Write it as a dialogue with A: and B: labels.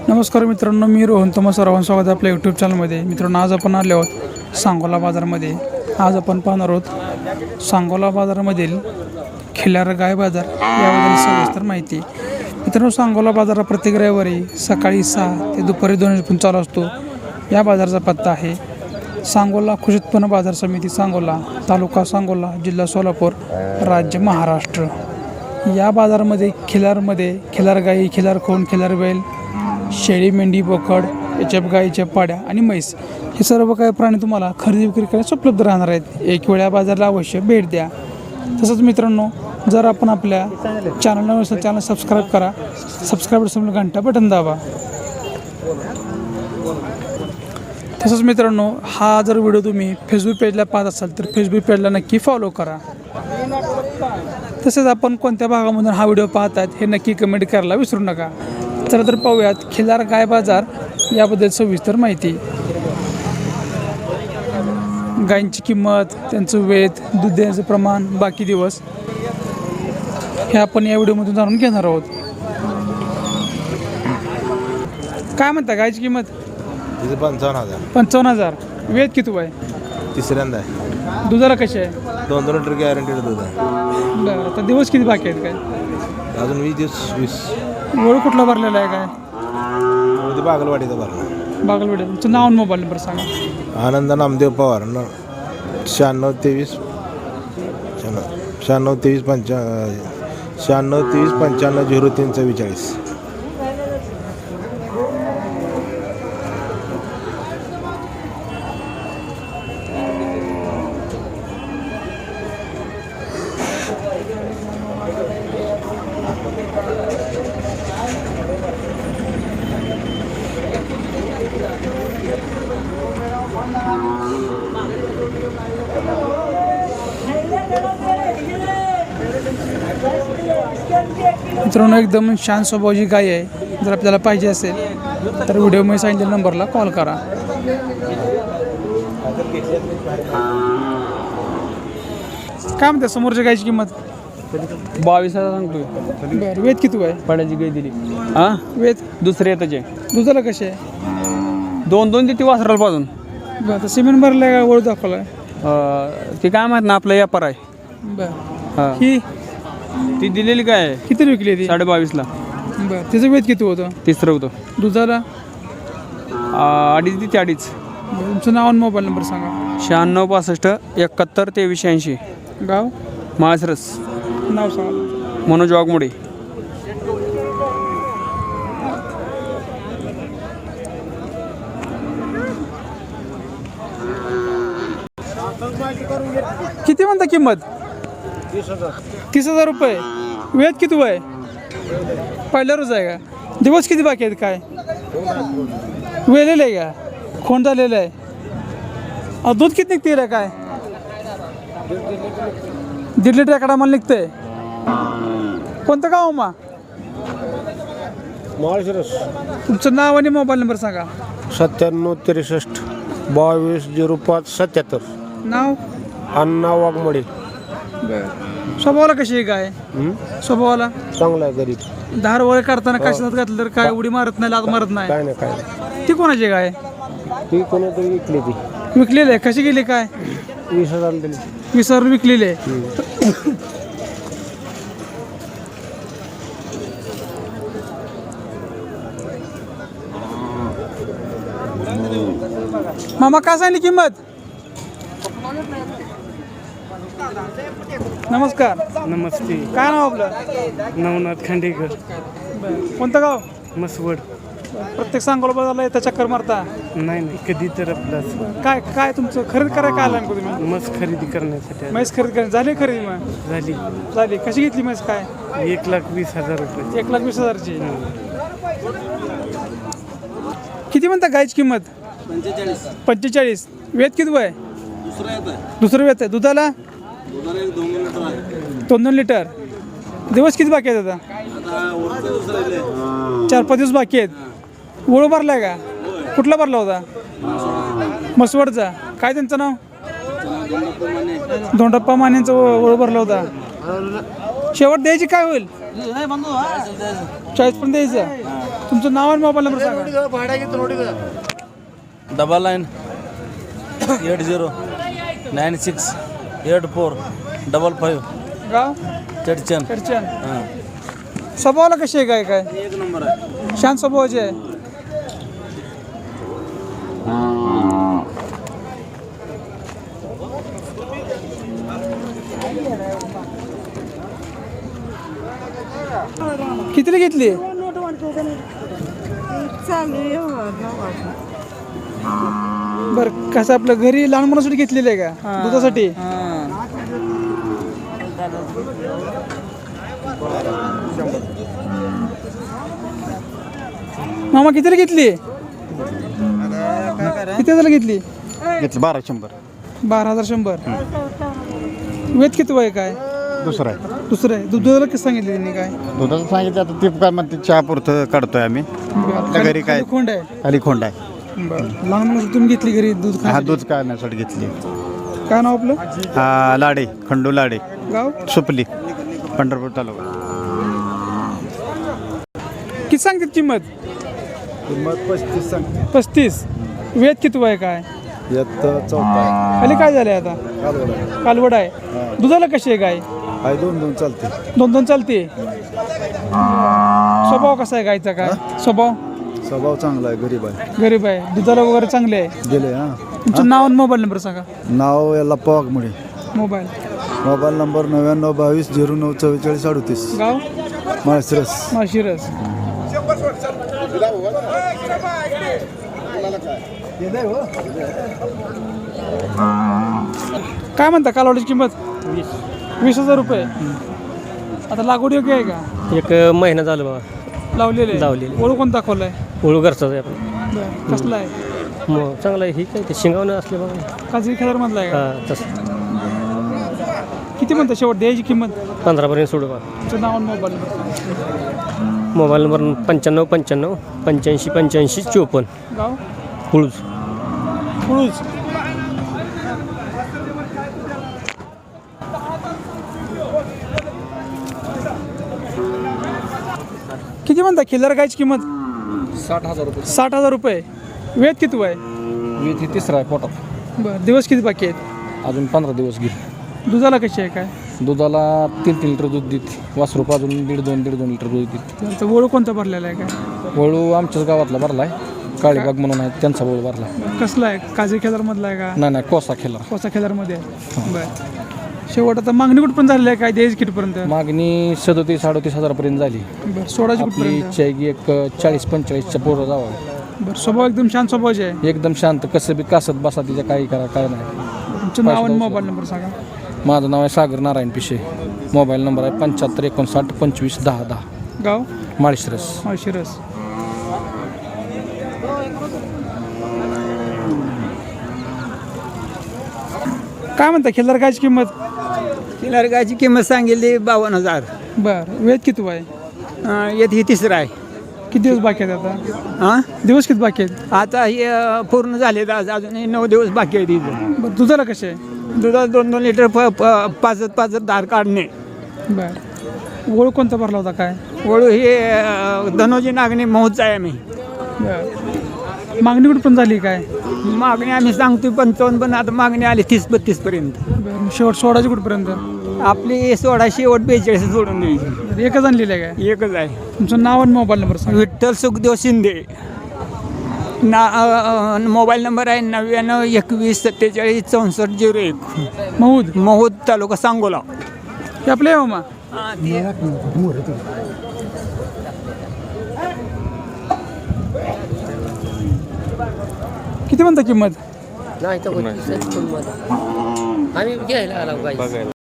A: नमस्कार मित्रांनो, मी रोहन तुम्हा सर्वांचं स्वागत आहे आपल्या यूट्यूब चॅनलमध्ये. मित्रांनो, आज आपण आलो आहोत सांगोला बाजारामध्ये. आज आपण पाहणार आहोत सांगोला बाजारामधील खिल्लार गाय बाजार याबद्दल सविस्तर माहिती. मित्रांनो, सांगोला बाजार प्रत्येक रविवारी सकाळी 6 ते दुपारी 2 वाजेपर्यंत चालू असतो. या बाजाराचा पत्ता आहे सांगोला कृषी उत्पन्न बाजार समिती, सांगोला, तालुका सांगोला, जिल्हा सोलापूर, राज्य महाराष्ट्र. या बाजारामध्ये खिल्लार गाई, खिल्लार खोंड, खिल्लार बैल, शेळी, मेंढी, बोकड, एचएफ गाईच्या पाड्या आणि म्हैस हे सर्व काही प्राणी तुम्हाला खरेदी विक्री करण्यास उपलब्ध राहणार आहेत. एक वेळा बाजाराला अवश्य भेट द्या. तसंच मित्रांनो, जर आपण आपल्या चॅनलला नसेल चॅनल सबस्क्राईब करा. सबस्क्राईब समोर घंटा बटन दाबा. तसंच मित्रांनो, हा जर व्हिडिओ तुम्ही फेसबुक पेजला पाहत असाल तर फेसबुक पेजला नक्की फॉलो करा. तसेच आपण कोणत्या भागामधून हा व्हिडिओ पाहतात हे नक्की कमेंट करायला विसरू नका. चला तर पाहूयात खिल्लार गाय बाजार याबद्दल सविस्तर माहिती. गायींची किंमत, त्यांचं वेत, दूध देण्याचं प्रमाण, बाकी दिवस हे आपण या व्हिडिओमधून जाणून घेणार आहोत. काय म्हणता गायची किंमत?
B: 55,000.
A: 55,000. वेत किती आहे?
B: तिसऱ्यांदा आहे.
A: दुधाला कशी आहे?
B: 2 लिटर गॅरंटीड दूध आहे.
A: बरं, आता दिवस किती बाकी आहेत काय?
B: अजून 20 दिवस 20.
A: वळू कुठला भरलेला आहे काय?
B: बागलवाडीचा भरला.
A: बागलवाडी. तुमचं नाव आणि मोबाईल नंबर सांगा.
B: आनंद नामदेव पवार 9623 95 0344.
A: मित्रांनो, एकदम शांत स्वभावाची गाय आहे. जर आपल्याला पाहिजे असेल तर व्हिडिओमध्ये सांगितलेल्या नंबरला कॉल करा. काय म्हणते समोरच्या गायची किंमत?
C: 22,000 सांगतोय.
A: बरं, वेत किती आहे?
C: पाड्याची गाय दिली. हां,
A: वेत
C: दुसरे येताचे
A: दुधाला कशी आहे?
C: 2 देते वासराला पाजून.
A: बरं, तर सिमेंट भरलं आहे का वळू दाखवला आहे?
C: ते काय माहीत ना, आपला व्यापार आहे.
A: बरं,
C: हां,
A: ही
C: ती दिलेली काय आहे
A: किती विकली ती?
C: 22,500.
A: बरं, तिचं वेत किती होतं?
C: तिसरं होतं.
A: दुधाला?
C: 2.5 देते 2.5.
A: बरं, तुमचं नाव आणि मोबाईल नंबर सांगा.
C: 96 65 71 23 80.
A: गाव?
C: माळसरस.
A: नाव सांगा.
C: मनोज वाघमोडे.
A: किती म्हणता किंमत? 30,000 रुपये. वेत किती आहे? पहिला रोज आहे का? दिवस किती बाकी आहेत काय? वेलेलं आहे का? खोंड झालेलं आहे. दूध किती निघते रे काय? 1.5 लिटर एकडा मला निघतंय. कोणतं गाव मा?
B: माळशिरस.
A: तुमचं नाव आणि मोबाईल नंबर सांगा.
B: 97 63 22 05 77.
A: नाव?
B: अण्णा वाघमोडे.
A: बरं, स्वभावाला कशी आहे गाय? स्वभावाला
B: चांगला आहे. गरीब.
A: धार वगैरे काढताना कशात घातलं तर काय उडी मारत नाही, लात मारत नाही?
B: काय नाही काय नाही.
A: ती कोणाची गाय?
B: ती कोणीतरी विकली. ती
A: विकलेली आहे. कशी गेली काय?
B: 20,000 दिली.
A: 20,000 विकलेली आहे. मामा काय सांगली किंमत? नमस्कार.
D: नमस्ते.
A: काय नाव आपलं?
D: नवनाथ खांडेकर.
A: कोणतं गाव?
D: मसवड.
A: प्रत्येक सांगोला बाजारला येता चक्कर मारता?
D: नाही कधी तर आपलाच.
A: काय काय तुमचं खरेदी करायला काय आलं नेमकं तुम्ही?
D: मस खरेदी करण्यासाठी आलो.
A: म्हैस खरेदी करायची झाली खरेदी? मग
D: झाली.
A: झाली. कशी घेतली म्हैस काय?
D: 1,20,000 रुपये.
A: 1,20,000ची. किती म्हणता गायची किंमत? 45. वेत किती आहे? दुसरं वेत आहे. दुधाला? 2 लिटर. दिवस किती बाकी आहेत आता? 4-5 दिवस बाकी आहेत. वळू भरलाय का? कुठला भरला होता? मसवडचा. काय त्यांचं नाव? धोंडप्पा मानेंचा ओळ भरला होता. शेवट द्यायची काय होईल? 40 पर्यंत द्यायचं. तुमचं नाव आणि मोबाईल नंबर सांगा.
E: 9980968455
A: गाव
E: चडचन.
A: चर्चन. स्वभावाला कशी आहे काय काय
E: एक नंबर आहे.
A: शांत स्वभावाचे आहे. कितीला घेतली बरं कसं आपलं घरी लहान मुलासाठी घेतलेलं आहे का दुधासाठी मामा कितीला घेतली किती हजारला घेतली
F: घेतलं 1200.
A: 12,100. वेद किती वय काय
F: दुसरं आहे
A: दुसरं आहे दुधाला कसं सांगितलं त्यांनी काय
F: दुधाचं सांगितलं आता ते काय म्हणते चहा पुरतं काढतोय आम्ही आपल्या घरी काय
A: खाली खोंड आहे
F: खाली खोंड आहे
A: बरं लहान मुलं तुम्ही घेतली घरी दूध
F: हा
A: खाण्यासाठी.
F: दूध काढण्यासाठी घेतली.
A: काय नाव आपलं
F: लाडे खंडू लाडे
A: गाव
F: सुपली पंढरपूर तालुका.
A: किती सांगतात किंमत
B: किंमत 35 सांगते.
A: 35. वेद किती वय काय
B: यात 14
A: खाली काय झालंय आता
B: कालवड
A: कालवड आहे दुधाला कशी आहे गाय
B: आहे 2 चालते.
A: 2 चालते स्वभाव कसा आहे गायचा काय स्वभाव
B: स्वभाव चांगला आहे, गरीब आहे.
A: गरीब आहे दुधाला वगैरे चांगले आहे
B: दिले हा.
A: तुमचं नाव आणि मोबाईल नंबर सांगा
B: नाव याला पवागमुळे.
A: Mobile
B: mobile number 9922094438.
A: गाव
B: माळशिरस.
A: माळशिरस. काय म्हणता कालवडीची किंमत 20,000 रुपये. आता लागवड योग्य आहे का
G: एक महिना झालं बाबा
A: लावलेले
G: लावलेली.
A: ओळख कोण दाखवलाय
G: ओळू घरचाच आहे आपण.
A: कसला आहे
G: मग चांगलं आहे ही काय ते शिंगावणं असले बाबा.
A: काजरी खेळार मधला आहे का
G: हां तसं
A: किती म्हणता शेवट द्यायची किंमत
G: 15पर्यंत सोडू बा.
A: तुमचं नाव आणि मोबाईल नंबर
G: मोबाईल नंबर 9595 85 85 54
A: गाव
G: कुळूज.
A: कुळूज. किती म्हणता खिल्लार गायची किंमत
C: 60,000 रुपये.
A: 60,000 रुपये. वेद किती वय
C: वीज तिसरा आहे पोटात.
A: बरं दिवस किती बाकी आहेत
C: अजून 15 दिवस घेईल.
A: दुधाला कशी आहे काय
C: दुधाला 3 लिटर दूध देते. वासरूप अजून 1.5-2 लिटर दूध देते.
A: त्यांचा ओळख कोणता भरलेला आहे काय
C: वळू आमच्याच गावातला भरला आहे. काळीबाग म्हणून आहे त्यांचा वळू भरला.
A: कसला आहे काजरी खेळारमधला आहे का
C: नाही कोसा खेळला.
A: कोसा खेळारमध्ये आहे बरं शेवट आता मागणी कुठपर्यंत झालेली आहे काय द्यायची किटपर्यंत
C: मागणी 37-38 हजारापर्यंत झाली.
A: बरं सोडायची
C: आपली
A: कुठपर्यंत
C: इच्छा आहे की एक 40-45च्या पोरं जावं.
A: बरं स्वभाव एकदम शांत स्वभावाचे आहे
C: एकदम शांत कसं बी कासत बसा तिच्या काही करा काय नाही.
A: तुमचं नाव आणि मोबाईल नंबर सांगा
C: माझं नाव आहे सागर नारायण पिशे. मोबाईल नंबर आहे 7559251010.
A: गाव
C: माळशिरस.
A: माळशिरस. काय म्हणता खिल्लार गायची किंमत
H: खिलार गायची किंमत सांगितली 52,000.
A: बरं वेद किती आहे
H: येत ही तिसरा आहे.
A: किती दिवस बाकी आहेत आता
H: हां
A: दिवस किती बाकी आहेत
H: आता हे पूर्ण झाले अजून 9 दिवस बाकी आहे तिथं.
A: बरं दुधाला कसे आहे
H: दुधात 2-2 लिटर 5 दार काढणे.
A: बरं ओळख कोणता भरला होता काय
H: वळू हे धनोजी नागणे महोत्सव आहे आम्ही.
A: बरं मागणी कुठपर्यंत झाली काय
H: मागणी आम्ही सांगतो 55 पण आता मागणी आली 30-32 पर्यंत.
A: बरं शेवट सोडायची कुठपर्यंत
H: आपली 16 शेवट 42 सोडून द्यायची.
A: एकच आणलेलं आहे काय
H: एकच आहे.
A: तुमचं नाव आणि मोबाईल नंबर सांगा
H: विठ्ठल सुखदेव शिंदे. मोबाईल नंबर आहे 9921476401.
A: महूद
H: महूद तालुका सांगोला.
A: हे आपले आहे मामा किती म्हणता किंमत
G: नाही तर आम्ही घ्यायला आला